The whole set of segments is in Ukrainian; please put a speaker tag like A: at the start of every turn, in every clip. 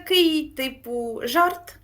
A: такий, типу, жарт.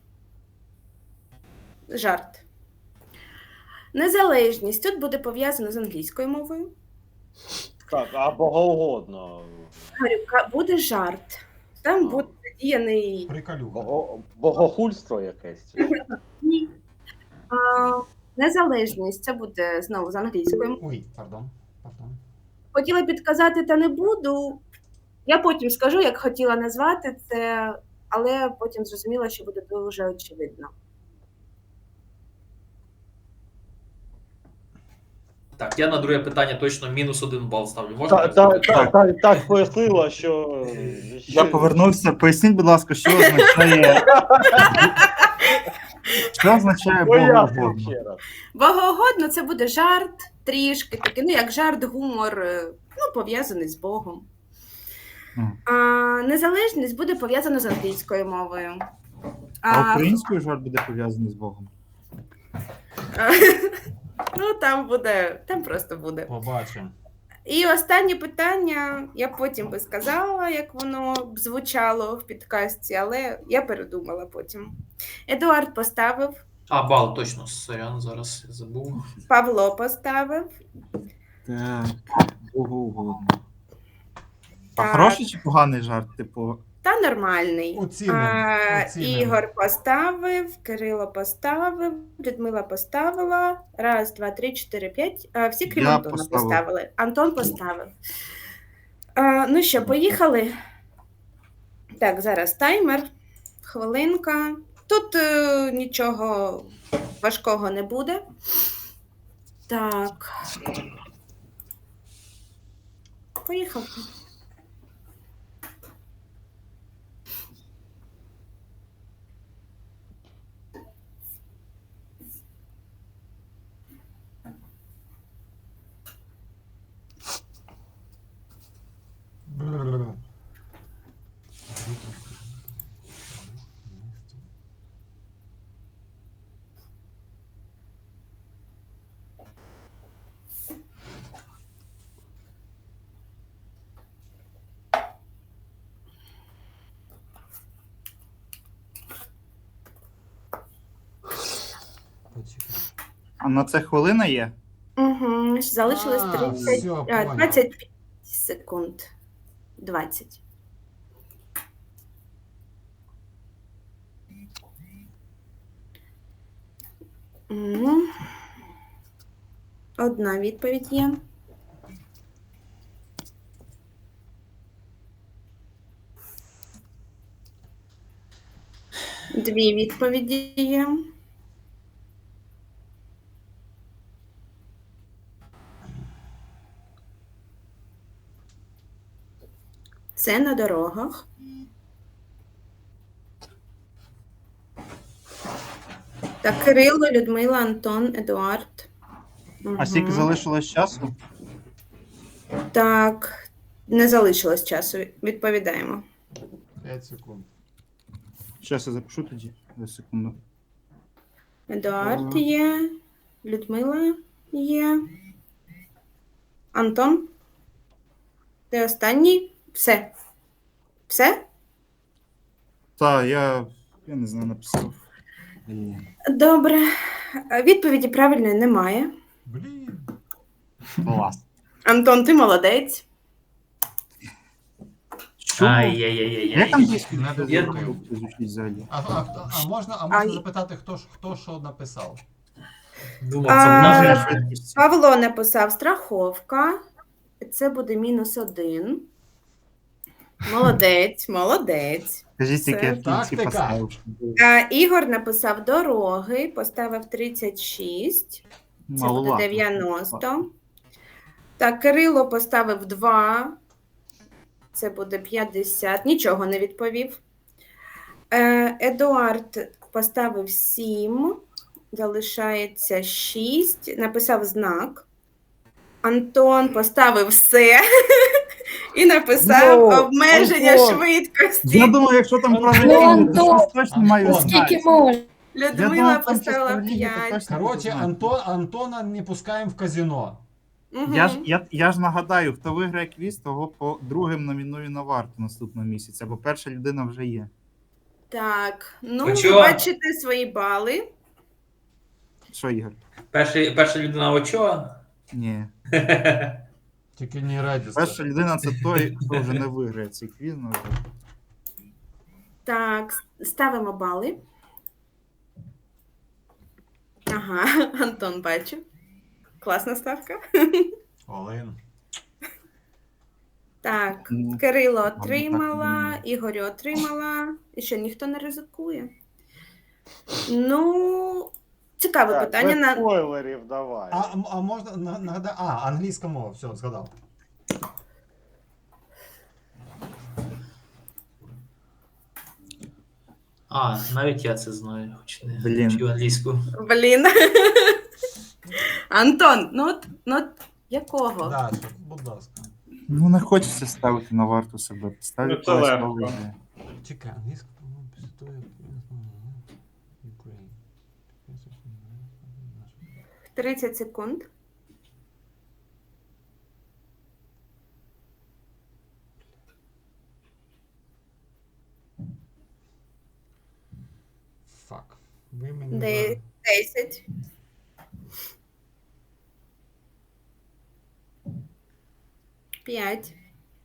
A: Жарт. Незалежність тут буде пов'язано з англійською мовою.
B: Так, а богоугодно.
A: Говорю, буде жарт. Там буде задіяний...
C: Приколюха.
B: Богохульство якесь.
A: Ні. Незалежність, це буде знову з англійською.
C: Ой, пардон.
A: Хотіла підказати, та не буду. Я потім скажу, як хотіла назвати це, але потім зрозуміла, що буде дуже очевидно.
D: Так, я на друге питання точно -1 бал ставлю. Можна?
B: Так пояснила, що...
E: Я повернувся. Поясніть, будь ласка, що означає... Що означає богоугодно?
B: ще раз.
A: Богоугодно – це буде жарт, трішки такий, ну як жарт, гумор, ну пов'язаний з Богом. Незалежність буде пов'язана з англійською мовою.
E: А українською жарт буде пов'язаний з Богом?
A: Ну, там просто буде.
C: Побачимо.
A: І останнє питання, я потім би сказала, як воно б звучало в підкасті, але я передумала потім. Едуард поставив.
D: Бал, точно, сорян, зараз я забув.
A: Павло поставив.
E: Так, богоугодно. А
A: Так.
E: хороший чи поганий жарт? Типу,
A: Та нормальний.
C: Оцінимо.
A: Ігор поставив, Кирило поставив, Людмила поставила. 1, 2, 3, 4, 5. Всі крім
E: Я
A: Антона
E: поставив.
A: поставили. Антон поставив. Ну що, поїхали? Так, зараз таймер. Хвилинка. Тут нічого важкого не буде. Так. Поїхали.
E: а на це хвилина є?
A: Угу. Залишилось 25 секунд. 20. Угу. Одна відповідь є. Дві відповіді є. Це на дорогах. Так, Кирило, Людмила, Антон, Едуард.
E: А скільки залишилось часу?
A: Так, не залишилось часу. Відповідаємо.
C: 5 секунд.
E: Щас я запишу тоді. За секунду.
A: Едуард є, Людмила є. Антон? Ти останній? Все. Все?
E: Так, я не знаю, написав.
A: Добре. Відповіді правильної немає.
C: Блін.
E: Клас.
A: Антон, ти молодець.
E: Що?
D: Ай-яй-яй-яй-яй.
E: Як англійською
D: Я-
E: звучить взагалі?
C: А можна
A: Ай.
C: запитати, хто що написав?
D: Думав, це в нас
E: Множення
D: же-
E: швидкості.
A: Павло написав страховка. Це буде -1. Молодець, молодець.
E: Скажіть,
A: Це
E: яке я в кінці
C: тактика.
E: поставив.
A: Ігор написав дороги, поставив 36. Це буде
E: Маловато.
A: 90. Так, Кирило поставив 2. Це буде 50. Нічого не відповів. Едуард поставив 7. Залишається 6. Написав знак. Антон поставив все. І написав обмеження
B: Антон.
A: швидкості.
E: Я думаю, якщо там
F: Ну,
E: правильно, то
F: Антон,
E: щось точно маю
C: Антон.
E: знати.
F: Скільки можна?
E: Я
A: Людмила
E: думав, там щось
A: поставила
E: правильно, то
A: 5.
E: точно
C: Коротше,
E: буду знати.
C: Антона не пускаємо в казино.
E: Я ж нагадаю, хто виграє квіз, того по другим номіную на варту наступного місяця, бо перша людина вже є.
A: Так, ну,
D: Ви
A: ви
D: чого?
A: бачите свої бали.
E: Що, Ігор?
D: Перша людина Очоа.
E: Ні.
C: Тільки не раді.
E: Перша людина це той, хто вже не виграє цей квіз. Ну, вже.
A: Так, ставимо бали. Ага, Антон бачу. Класна ставка.
C: Олен.
A: Так,
E: Ну,
A: Кирило
E: так
A: отримала,
E: не
A: Ігорю отримала. І що, ніхто не ризикує? Ну, цікаве
B: Так,
A: питання.
B: без спойлерів давай.
C: А можна нагадати? Англійська мова, все, згадав.
D: Навіть я це знаю, хоч не
E: Блін.
D: вчив англійську.
A: Блін. Антон, ну, якого?
C: Даша, будь ласка.
E: Ну, не хочеться ставити на варту себе. Ставлю
B: Ну, це легко.
E: слово.
C: Чекай, англійська, по-моєму, після того, як... Ukraine.
A: 30 секунд.
C: Фак. Ви мені...
A: Де-
C: зараз-
A: 10. П'ять.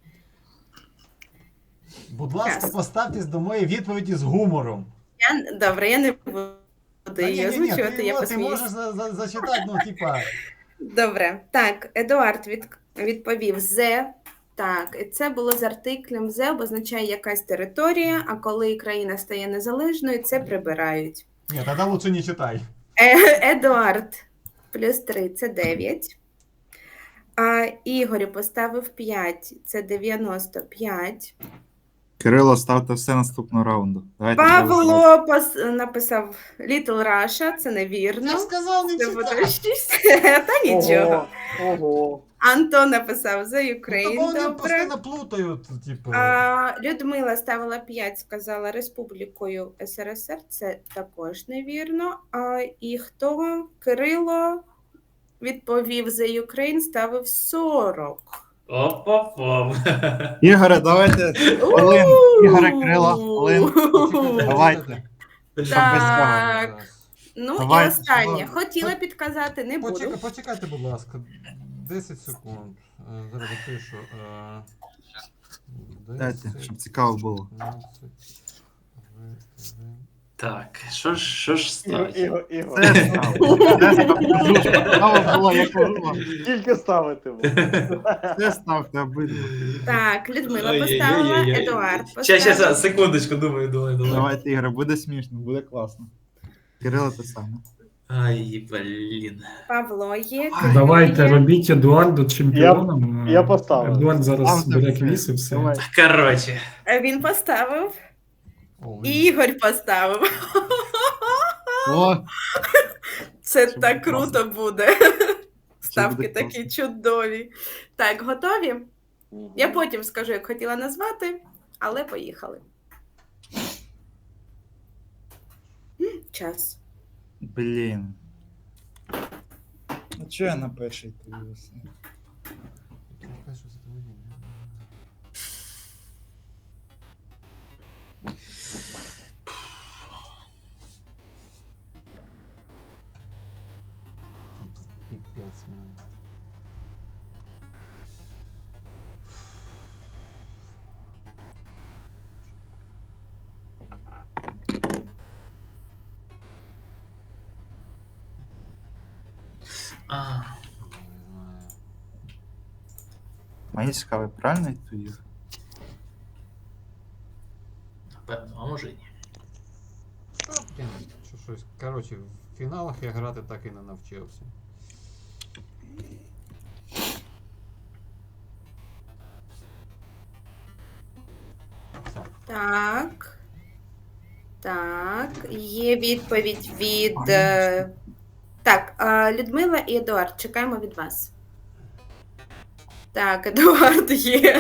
C: Будь ласка,
A: Час.
C: поставтесь до моєї відповіді з гумором.
A: Добре, я не буду її озвучувати, я
C: ти
A: посміюсь.
C: можеш зачитати, ну, типа...
A: Добре. Так, Едуард відповів «зе». Так, і це було з артиклем «зе», обозначає якась територія, а коли країна стає незалежною, це прибирають.
C: Ні, тоді лучше не читай.
A: Едуард плюс 3 – це 9. А Ігорю поставив 5 – це 95.
E: Кирило, ставте все наступного раунду. Давайте
A: Павло написав Little Russia, це невірно.
C: Я сказав, не
A: Це буде
C: читай.
A: 6. Та нічого.
B: Ого.
A: Антон написав за
C: Ну,
A: Україну.
C: вони
A: Добре.
C: постійно плутають, типу.
A: Людмила ставила 5, сказала Республікою СРСР, це також невірно. І хто? Кирило відповів за Ukraine, ставив 40.
D: Опа-пам.
E: Ігоре, давайте. Олен, Ігоре, Кирило, Олен.
C: Почекайте,
E: Давайте.
C: почекайте.
E: Щоб без
A: Так.
E: цього.
A: Ну
E: Давай,
A: і останнє.
E: що?
A: Хотіла підказати, не буду.
C: Почекайте, будь ласка. 10 секунд. Зараз запишу.
E: Дайте, щоб цікаво було.
C: 15,
D: Так, що ж стати?
B: Ігор,
E: Це ставте. Цікаво було, як було.
B: Скільки ставити буде?
E: Це ставте обидва.
A: Так, Людмила поставила,
D: Ой-ой-ой-ой.
A: Едуард
D: Щас,
A: поставив.
D: секундочку, думаю.
E: Давайте, Ігоре, буде смішно, буде класно. Кирило те саме.
D: Ай, блін.
A: Павло є.
F: Давайте
A: Кирило є.
F: робіть Едуарду чемпіоном.
B: Я поставив.
F: Едуард зараз
E: Ставте
F: бере
E: все.
F: квіз і все.
E: Давай.
D: Коротше.
A: Він поставив.
C: Олен.
A: Ігор поставив.
E: О,
A: Це
E: Це
A: так
E: буде
A: круто буде. Ставки
E: буде
A: такі
E: класно.
A: чудові. Так, готові? Я потім скажу, як хотіла назвати, але поїхали. Час.
E: блін. А чого я на перший дивився?
C: Яка ж це твоя? Пипец, man.
D: А,
C: Не знаю.
E: Мені цікаво, правильно відповів?
D: напевно, а може і ні.
C: Та, блін, що щось. Коротше, в фіналах я грати так і не навчився. Все.
A: Так. Так. Є відповідь від. Так, Людмила і Едуард, чекаємо від вас. Так, Едуард є.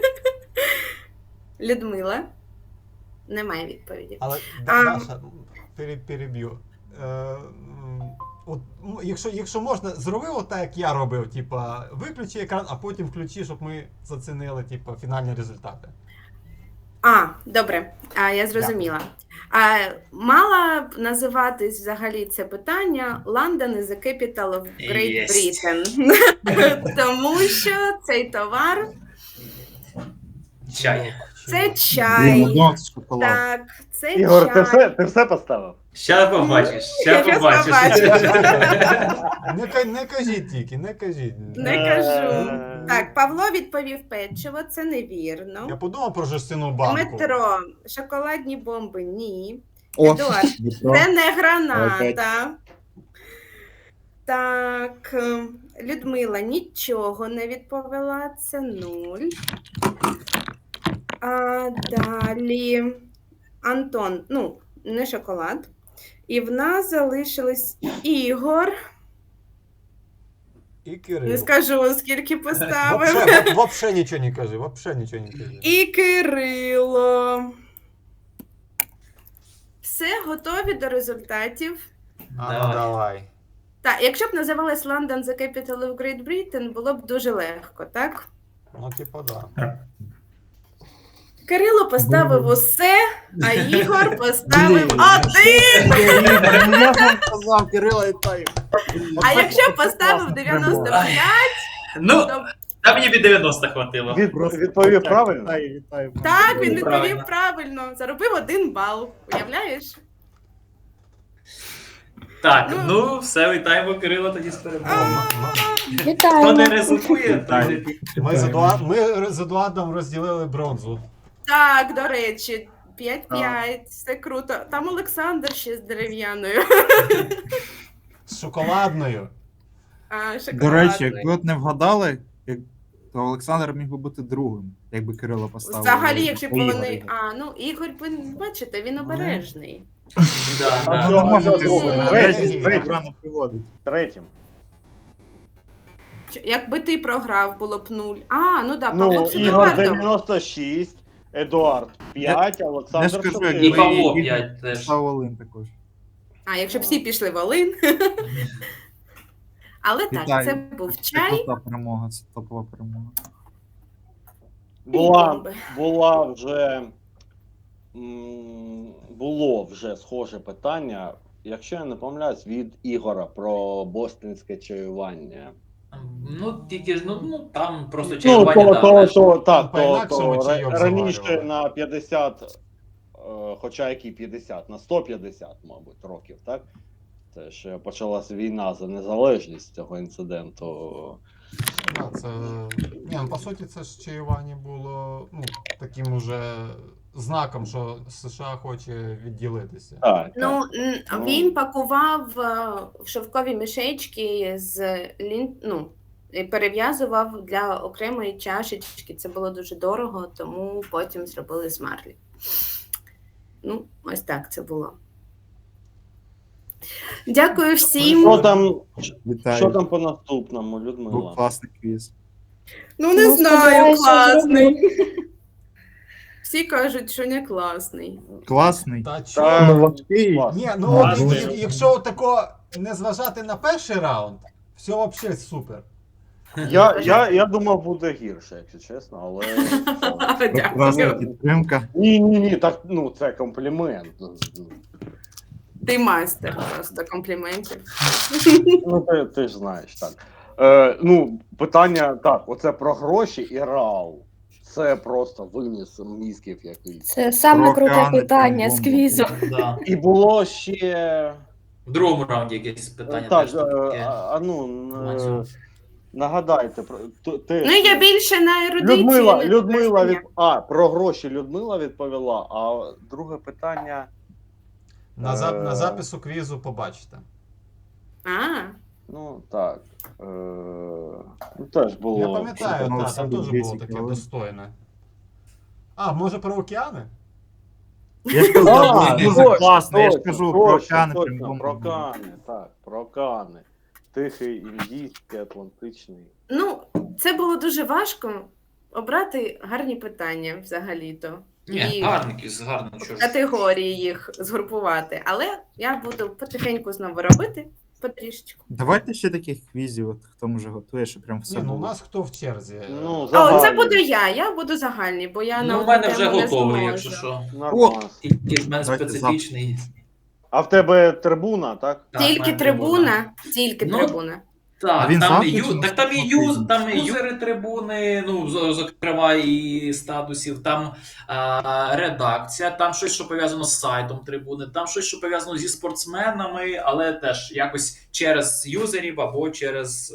A: Людмила. Немає відповіді.
C: Але
A: А.
C: Даша, переб'ю. От, якщо можна, зроби отак, як я робив, типа, виключи екран, а потім включи, щоб ми зацінили, типа, фінальні результати.
A: Добре, я зрозуміла. Мала б називатись взагалі це питання London is the capital of Great
D: Єсть.
A: Britain. Тому що цей товар
D: Чай.
A: це
E: Блін,
A: чай.
E: донат шоколад.
A: Так, це
B: Ігор,
A: чай.
B: ти все поставив?
D: Ща побачиш,
A: Я
D: ща
A: щас
D: побачиш.
C: Не кажіть тільки, не кажіть.
A: Не кажу.
B: Е,
A: Так, Павло відповів печиво, це
C: Я
A: невірно.
C: подумав про жестяну банку.
A: Дмитро, шоколадні бомби, ні.
E: О,
A: Едуард,
E: Дмитро.
A: це не граната. Так, Людмила нічого не відповіла, це 0. А далі Антон, ну, не шоколад. І в нас залишилось Ігор.
C: І
A: Не
C: Кирил.
A: скажу, скільки поставив.
C: Вообще нічого не кажи, вообще нічого не кажи.
A: І Кирило. Все, готові до результатів.
C: Ну, давай.
A: Так, якщо б називалась London the capital of Great Britain, було б дуже легко, так?
C: Ну, типа, да.
A: Кирило поставив усе, а Ігор поставив
E: Блін.
A: 1.
E: Я вам сказав, Кирила, вітаю.
A: А якщо б поставив 95,
D: Ну,
A: то
D: та мені від 90 хватило.
B: Відповів правильно?
E: Вітаю, вітаю.
A: так, він
D: Правильно.
A: відповів правильно. Заробив 1 бал. Уявляєш?
D: Так,
A: Ну.
D: ну, все, вітаємо Кирила тоді з перемогою. Хто не
G: Вітаємо.
D: ризикує, той не
C: Ми з Едуардом розділили бронзу.
A: Так, до речі, 5-5, все круто. Там Олександр ще з дерев'яною.
C: З шоколадною.
E: До речі, якби от не вгадали, то Олександр міг би бути другим, якби Кирило поставив.
A: Взагалі, якщо б
E: по Ігорю.
A: вони. Ігор, ви бачите, він обережний.
D: Да,
E: А
D: да.
E: ви не можете
B: Третій,
E: третій,
B: третій.
E: рано приводить.
B: Третім.
A: Якби ти програв, було б 0. Ну так,
B: Ну,
A: Павло з
B: Ігор
A: Едуардом.
B: 96, Едуард 5,
E: Я
B: Олександр
E: ж кажу,
B: 4.
D: І
E: якби
D: Павло
E: Ігор
D: 5 теж.
E: поставив Олин також.
A: Якщо б всі пішли в Олин. Але так,
E: Вітаю.
A: це був
E: Це
A: чай.
E: крута перемога, це топова перемога.
B: Було вже схоже питання, якщо я не помиляюсь, від Ігора про бостонське чаювання.
D: Ну, тільки ж, ну там просто
B: Ну,
D: чаювання,
C: По-інакшому чайок
B: раніше
C: заварювали.
B: на 50, хоча які 50, на 150, мабуть, років, так? Це ж почалася війна за незалежність цього інциденту.
C: Да, це... Ні, ну, по суті, це ж чаювання було таким уже знаком, що США хоче відділитися.
B: Так,
A: Ну,
B: так.
A: він пакував в шовкові мішечки і перев'язував для окремої чашечки. Це було дуже дорого, тому потім зробили з марлі. Ну, ось так це було. Дякую всім.
E: Вітаю.
B: Що там по наступному,
E: Був
B: Людмила?
E: класний квіз.
A: Ну, не
G: Ну,
A: знаю,
G: сподіваюся,
A: класний. Всі кажуть, що не класний.
E: Класний.
C: Та
B: Та,
C: чого?
E: важкий.
B: клас.
C: Ні,
B: Класний.
C: якщо тако не зважати на перший раунд, все взагалі супер.
B: Я думав, буде гірше, якщо чесно, але.
E: Прекрасна
A: Дякую.
E: підтримка.
B: Ні, так, це комплімент.
A: Ти майстер просто компліментів.
B: Ну, ти ж знаєш, так. Питання, так, оце про гроші і реал. Це просто виніс мізків якийсь.
G: Це саме
E: Про
G: круте
E: океани
G: питання
E: там
G: з
E: бомби.
G: квізу.
D: Да.
B: І було ще.
D: В другому раунді якесь питання
B: Так,
D: теж таке. Ланцюг.
B: нагадайте про ти.
A: Ну, я більше на ерудиції.
B: Людмила про гроші Людмила відповіла, а друге питання.
C: На запису квізу побачите.
B: Ну так. Теж було.
C: Я пам'ятаю,
E: Ну,
C: там
E: це
C: теж
E: дуже
C: було таке
E: цікаво.
C: достойне. Може про океани?
E: Я ж казав,
B: А,
E: був дуже
B: точно,
E: класно. Я ж
B: точно,
E: кажу,
B: точно,
E: про океани
B: точно,
E: прям бомба
B: про
E: була.
B: океани, так, про океани. Тихий, індійський, атлантичний.
A: Ну, це було дуже важко обрати гарні питання взагалі-то.
D: Ні, гарний квіз, гарний. Що ж.
A: Категорії їх згрупувати. Але я буду потихеньку знову робити. Потрішечку.
E: Давайте ще таких квізів, от хто може готує, що прям все
C: Ні, ну у
E: було.
C: нас хто в черзі?
B: Ну,
A: О, це
B: загальні.
A: буду я буду загальний, бо я на
D: Ну, в
A: одну
D: мене вже
A: тему не
D: готовий,
A: зможу.
D: якщо що.
B: Нормально.
D: Тільки в мене
E: Давайте
D: специфічний.
B: А в тебе трибуна, так?
D: Так, в
A: Тільки
D: мене
A: трибуна, тільки
D: Ну,
A: трибуна.
D: Так,
E: Він
D: там,
E: завтра
D: ю,
E: чи
D: так там і,
E: наступного
D: там і
E: тижня?
D: юзери трибуни, ну, зокрема, і статусів, там редакція, там щось, що пов'язано з сайтом трибуни, там щось, що пов'язано зі спортсменами, але теж якось через юзерів або через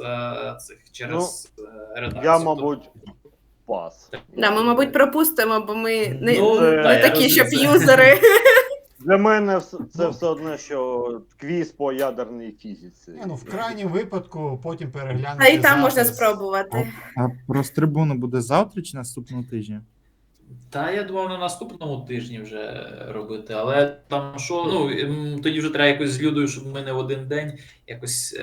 D: редакцію.
B: Я, мабуть, пас.
A: Да, ми, мабуть, пропустимо, бо ми не,
D: Ну,
A: не
B: та,
D: я
A: такі, щоб
D: розумію.
A: юзери.
B: Для мене це все одно, що квіз по ядерній фізиці.
C: Ні, ну в крайньому випадку потім переглянути.
A: А і там можна
C: запис.
A: спробувати.
E: А про трибуну буде завтра чи наступного тижня?
D: Та я думав на наступному тижні вже робити, але там що, ну тоді вже треба якось з Людою, щоб ми не в один день якось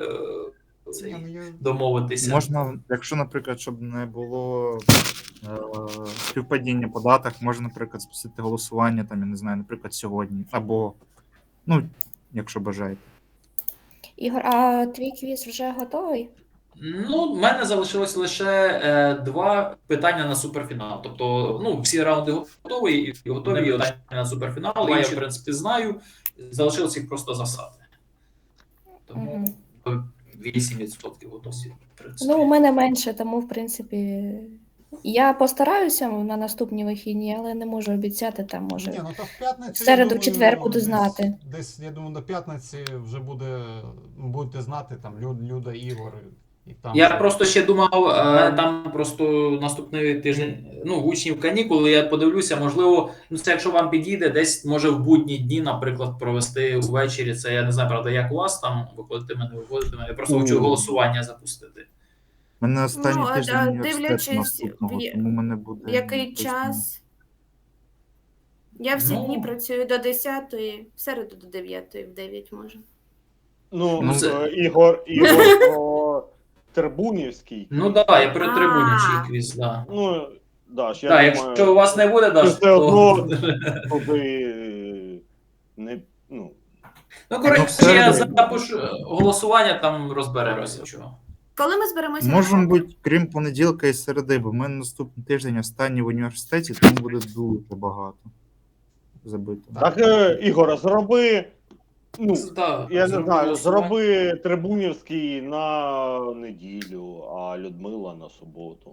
C: Ні, ну, я-
D: домовитися.
E: Можна, якщо, наприклад, щоб не було співпадіння по датах, можна, наприклад, спустити голосування, там, я не знаю, наприклад, сьогодні. Або, ну, якщо бажаєте.
G: Ігор, а твій квіз вже готовий?
D: Ну, в мене залишилось лише 2 питання на суперфінал. Тобто, ну, всі раунди готові і готові питання на суперфінал. Я, в принципі, знаю. Залишилось їх просто засати. Тому
G: Мгм.
D: 8% готові, в принципі.
G: Ну, у мене менше, тому, в принципі, я постараюся на наступні вихідні, але не можу обіцяти, там
C: Ні,
G: може.
C: ну то в п'ятницю.
G: В середу,
C: я думаю,
G: в четвер буду
C: десь-
G: знати.
C: Десь, я думаю, до п'ятниці вже будете знати там Люда, Ігор. І там
D: Я
C: вже-
D: просто ще думав, там просто наступний тиждень, ну, в учнів канікули, я подивлюся, можливо, ну це якщо вам підійде, десь може в будні дні, наприклад, провести ввечері. Це я не знаю, правда, як у вас там виходитиме, не виходитиме. Я просто хочу голосування запустити.
E: У мене останній
A: Ну, а
E: тиждень університету
A: дивлячись,
E: наступного, тому мене буде...
A: В який
E: точно-
A: час? Я всі
D: Ну.
A: дні працюю до 10-ї, в середу до 9-ї, в 9 може.
B: Ну,
D: Ну, це-
B: Ігор про Трибунівський.
D: Ну так, да, я при трибуні
A: А.
D: чий квіз, да.
B: Ну, да, ж я
D: Так,
B: думаю,
D: якщо у вас не буде, Даш,
B: все одно
D: то...
B: туди не, ну,
D: Ну, коротше,
E: Ну,
D: я
E: середу.
D: запишу голосування, там розберемося. Чого.
A: Коли ми зберемося?
E: Можемо
A: на
E: бути, крім понеділка і середи, бо в мене наступний тиждень останній в університеті, тому буде дуже багато забито.
B: так, Ігоре, зроби, ну,
D: Да,
B: я не
D: зроблю
B: знаю,
D: голосування.
B: зроби Трибунівський на неділю, а Людмила на суботу.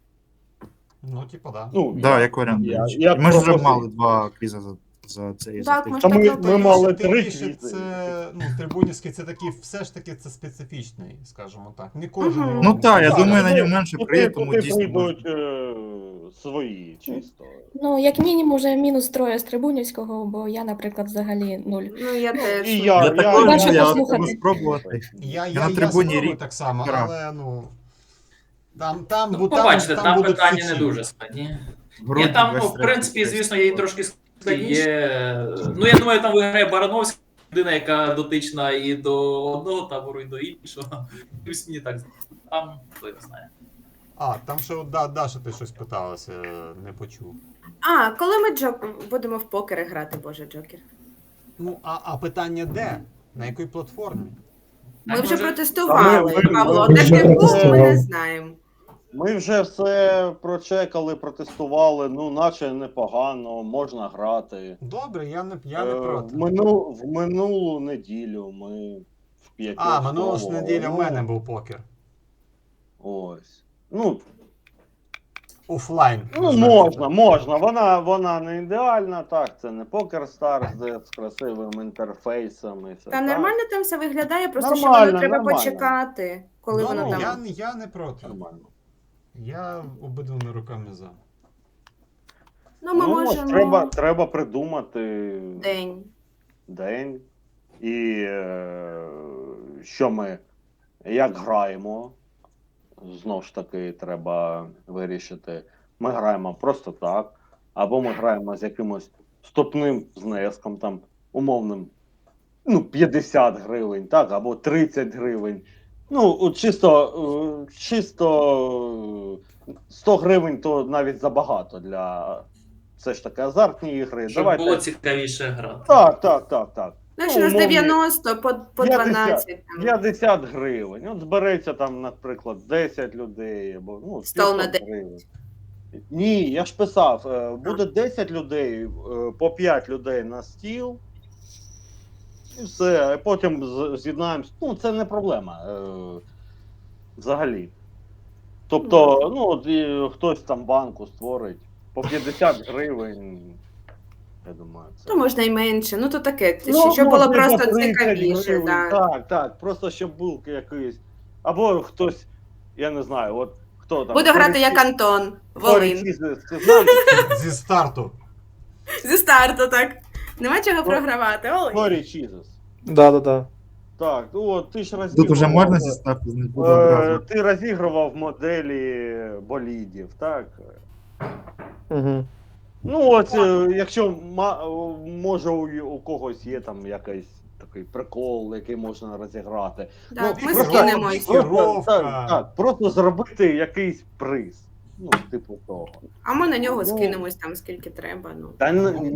C: Ну, типа, да.
B: Ну,
E: Да, як варіант.
B: я-
E: до речі.
B: я
E: Ми ж вже
B: пропозицію.
E: мали 2 квіза за цей
A: Так,
E: за
A: ми
E: тиждень.
A: ж
B: Та
A: так
B: ми
A: робили.
B: мали
C: Тим
B: 3
C: більше
B: квізи.
C: це, ну, Трибунівський це такий, все ж таки це специфічний, скажімо так. Не кожен.
A: Мгм.
E: Ну так, я
B: Так,
E: думаю, на
B: туди-
E: нього менше
B: туди-
E: приїде, тому
B: туди
E: дійсно
B: прийдуть
E: можна.
B: свої чисто.
G: Ну, як мінімум, вже мінус 3 з Трибунівського, бо я, наприклад, взагалі 0.
A: Ну, я теж.
B: І
E: Я також
G: Бачу,
E: я
G: послухати.
E: хочу спробувати.
C: Я
E: на трибуні
C: спробую
E: рік
C: так само,
E: грав.
C: але ну. Там,
D: Ну, побачите, там
C: будуть
D: питання
C: сучі.
D: не дуже складні.
E: Грудь
D: Ні, там, ну, в
E: 23
D: принципі,
E: десь.
D: звісно, є трошки є. Ну, я думаю, там виграє Барановська, людина, яка дотична і до одного табору, і до іншого. Плюс мені так там, хто не знає.
C: А, там ще Даша ти щось питалася, не почув.
A: А, коли ми будемо в покери грати, боже, Джокер?
C: Ну, а питання де? На якій платформі?
A: Ми
D: Так,
A: вже
D: може-
A: протестували,
B: Та ми-
A: Павло.
B: ми
A: Де
B: вже-
A: ти був, ми не знаємо.
B: Ми вже все прочекали, протестували, ну, наче непогано, можна грати.
C: Добре, я не проти.
B: В минулу неділю ми в 5.
C: А, минулу ж неділю в мене був покер.
B: Ось. Ну,
C: Офлайн.
B: ну можна. Вона не ідеальна, так, це не Poker Stars, де з красивим інтерфейсом і все.
A: Та
B: так.
A: нормально там все виглядає, просто що
B: Нормально,
A: воно треба
B: нормально.
A: почекати, коли воно
C: Ну,
A: там.
C: я не проти.
B: Нормально.
C: Я обидвими руками за.
A: Ну, ми можемо
B: треба придумати
A: день.
B: І що ми, як граємо, знову ж таки, треба вирішити. Ми граємо просто так, або ми граємо з якимось вступним знеском, там, умовним, ну, 50 гривень, так, або 30 гривень. Ну, от чисто 100 гривень то навіть забагато для все ж таки азартні ігри.
D: Щоб було цікавіше грати.
B: Так.
A: Знаєш,
B: Ну,
A: у нас
B: умовні,
A: 90 по 12. там.
B: 50 гривень. От збереться там, наприклад, 10 людей або ну,
A: Стол на
B: 500 гривень. Ні, я ж писав, буде 10 людей, по 5 людей на стіл. І все, а потім з'єднаємось. Ну, це не проблема. Взагалі. Тобто, ну, от, хтось там банку створить по 50 гривень. Я думаю, це.
A: Ну, можна і менше. Ну, то таке,
B: Ну,
A: щоб було
B: може,
A: просто
B: за 30
A: цікавіше.
B: гривень.
A: Да.
B: Так, так. Просто щоб був якийсь. Або хтось, я не знаю, от хто там.
A: Буду грати як Антон, Волин.
B: Ти знаєш,
C: Зі старту.
A: Зі старту, так. Нема чого програвати, Волин.
B: Корі Чізес.
H: Да.
B: Так, ну от ти ж розігрував.
E: Тут уже можна зістати, не буду одразу.
B: Ти розігрував моделі болідів, так?
H: Угу.
B: Ну, от, якщо може у когось є там якийсь такий прикол, який можна розіграти.
A: Так,
B: Ну,
A: ми
B: просто-
A: скинемось.
C: Екіпіровка.
B: Так, просто зробити якийсь приз. Ну, типу того.
A: А ми на нього
B: Ну,
A: скинемось там скільки треба. Ну,
B: Та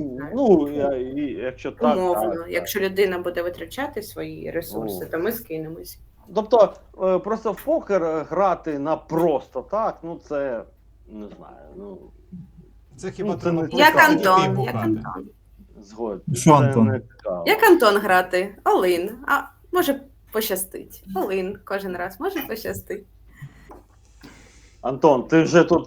B: якщо так.
A: умовно.
B: так.
A: Якщо людина буде витрачати свої ресурси, то ми скинемось.
B: Тобто, просто в покер грати на просто так, ну це не знаю. Ну,
C: Це хіба
B: Ну, це
C: треба
B: не-
C: просто
A: Як
C: дітей
A: Антон, як
C: пукати.
A: Антон.
B: згоден.
E: Що,
B: Це
E: Антон?
B: не цікаво.
A: Як Антон грати? Олин. А може пощастить. Олин кожен раз може пощастить.
B: Антон, ти вже тут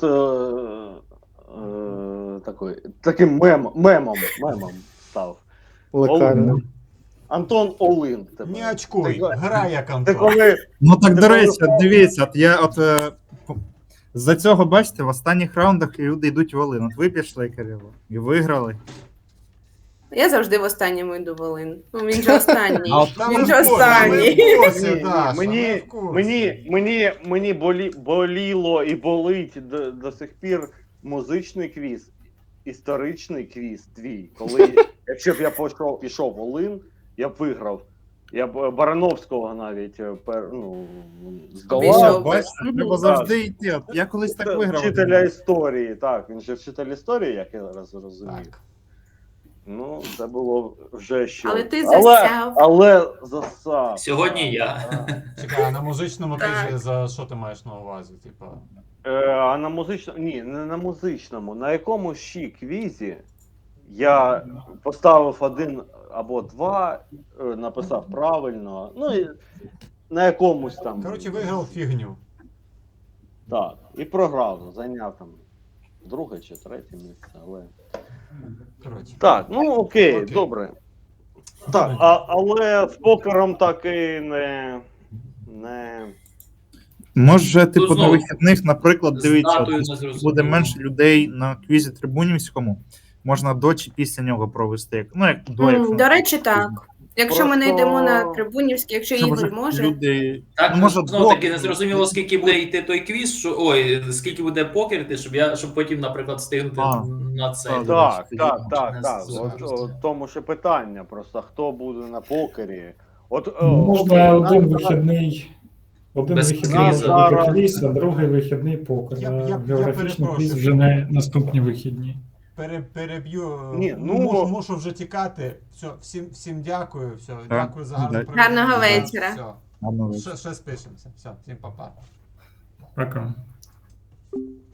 B: таким мемом став.
H: Локально.
B: Антон Олин. тебе.
C: Не очкуй,
B: Ти-
C: грай як
B: Ти
C: Антон.
B: коли
E: Ну так,
B: Ти
E: до речі,
B: коли-
E: от дивіться, от я от з-за цього, бачите, в останніх раундах люди йдуть в Волин. От ви пішли, Кирило, і виграли.
A: Я завжди в останньому йду в Олин. Ну, він же останній.
E: А от
C: Та
A: Він
C: ми
A: же
C: в курсі,
A: останній.
C: ми в курсі,
B: Ні,
C: Даша, ми
B: мені,
C: в курсі.
B: мені боліло і болить до сих пір музичний квіз, історичний квіз твій. Коли, якщо б я пішов в Олин, я б виграв. Я б Барановського навіть здолав.
A: Обійшов.
E: Бачите, треба завжди йти. От я колись так виграв.
B: Вчителя історії, так. Він же вчитель історії, як я зараз розумію.
C: Так.
B: Ну, це було вже що.
A: Але ти засяв.
B: Але засав.
D: Сьогодні я.
C: Чекай, а на музичному
A: Так.
C: квізі за що ти маєш на увазі? Типа.
B: А на музичному. Ні, не на музичному. На якомусь ще квізі я поставив 1 або 2, написав правильно. Ну і на якомусь там.
C: Коротше, виграв фігню.
B: Так. І програв, зайняв там 2 чи 3 місце, але.
C: Коротше.
B: Так, ну окей,
C: Окей.
B: добре. Так, але з покером так і не.
E: Може, типу, на
D: знову,
E: вихідних, наприклад,
D: З
E: дивіться, от,
D: датою не
E: буде
D: зрозуміло.
E: менше людей на квізі трибунівському, можна до чи після нього провести. Як до, якщо
A: До речі, так. Якщо ми не
B: Просто-
A: йдемо на Трибунівський, якщо
E: Щоб
A: Ігор
E: вже
A: може.
E: люди.
D: Так,
E: Ну, може,
D: знову таки
E: двох-
D: не зрозуміло, скільки буде йти той квіз, скільки буде покер йти, щоб потім, наприклад, встигнути
E: А,
D: на це.
E: так.
B: Так,
E: тоді
B: так.
D: не
B: От,
D: зрозуміло.
B: от тому ще питання, просто хто буде на покері. От,
F: Можна
B: окей,
F: один
B: нас-
F: вихідний. Один
D: Без
F: вихідний
D: квізу.
F: буде квіз, а другий вихідний покер.
C: Я
F: А географічний
C: перепрошую.
F: квіз вже не наступні вихідні.
C: Переб'ю.
B: Ні, ну,
C: мушу вже тікати. Все, всім дякую. Все,
E: Так,
C: дякую за гарну
E: так.
C: проведення.
A: Гарного
C: Все,
A: вечора.
C: Все,
E: Гарного вечора.
C: ще спишемося. Все, всім па-па.
F: Пока.